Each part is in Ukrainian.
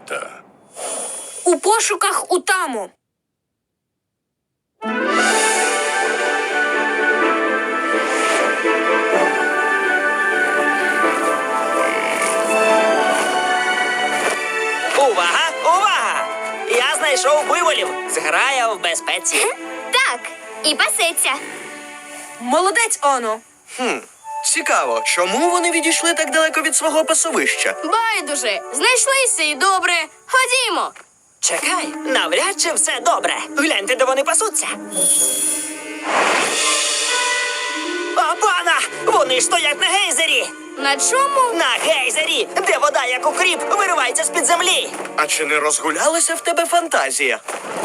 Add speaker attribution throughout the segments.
Speaker 1: звірята?
Speaker 2: У пошуках Утаму.
Speaker 3: Увага! Увага! Я знайшов буйволів. Зграя в безпеці.
Speaker 4: Так, і пасеться.
Speaker 2: Молодець, Оно.
Speaker 5: Цікаво, чому вони відійшли так далеко від свого пасовища?
Speaker 4: Байдуже, знайшлися і добре. Ходімо.
Speaker 3: Чекай, навряд чи все добре. Гляньте, де вони пасуться. А пана! Вони ж стоять на гейзері!
Speaker 4: На чому?
Speaker 3: На гейзері, де вода, як укріп, виривається з-під землі.
Speaker 5: А чи не розгулялася в тебе фантазія?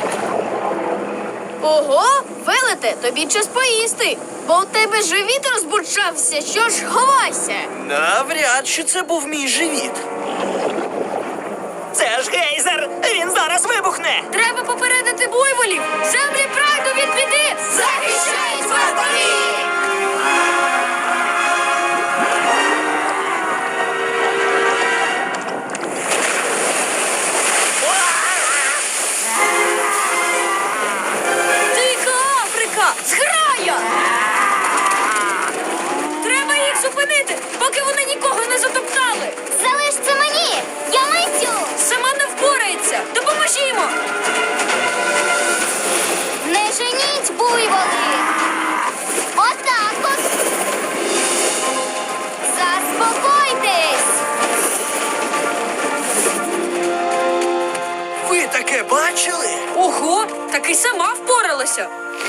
Speaker 4: Ого, велете, тобі час поїсти. Бо у тебе живіт розбурчався, що ж ховайся.
Speaker 5: Навряд чи це був мій живіт.
Speaker 3: Це ж гейзер! Він зараз вибухне!
Speaker 2: Треба попередити буйволів. Землі прайду від біди.
Speaker 4: Захищають вартові!
Speaker 2: Дика Африка! Зграя! Треба їх зупинити, поки вони нікого не затоптали.
Speaker 4: Залиш це мені! Я митю!
Speaker 2: Сама не впорається. Допоможімо.
Speaker 4: Не женіть, буйволи! Отак от! Заспокойтесь!
Speaker 5: Ви таке бачили?
Speaker 2: Ого, таки сама впоралася.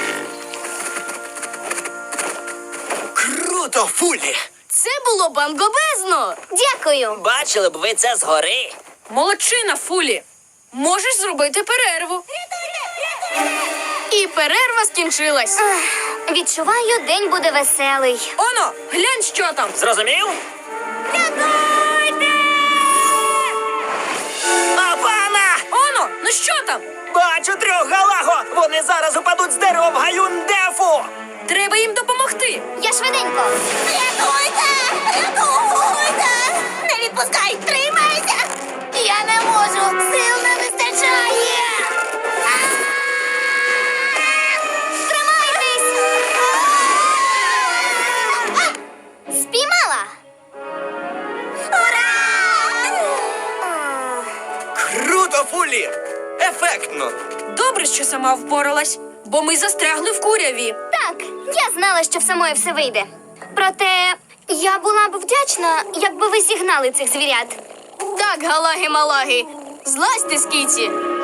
Speaker 5: Круто, Фулі!
Speaker 4: Це було бангобезно! Дякую!
Speaker 3: Бачили б ви це згори.
Speaker 2: Молодчина, Фулі. Можеш зробити перерву.
Speaker 4: І перерва скінчилась. Відчуваю, день буде веселий.
Speaker 2: Оно, глянь, що там.
Speaker 3: Зрозумів? А пана!
Speaker 2: Оно, ну що там?
Speaker 3: Бачу трьох галаго! Вони зараз упадуть з дерева в гаюндефу!
Speaker 2: Треба їм допомогти.
Speaker 4: Я швиденько. Рятуйте! Рятуйте! Не відпускай! Тримайся! Я не можу! Сил не вистачає! Тримайтесь! Спіймала! Ура!
Speaker 5: Круто, Фулі! Ефектно!
Speaker 2: Добре, що сама впоралась, бо ми застрягли в куряві.
Speaker 4: Так, я знала, що в самої все вийде. Проте я була б вдячна, якби ви зігнали цих звірят. Так, галаги-малаги, злазьте з кіці.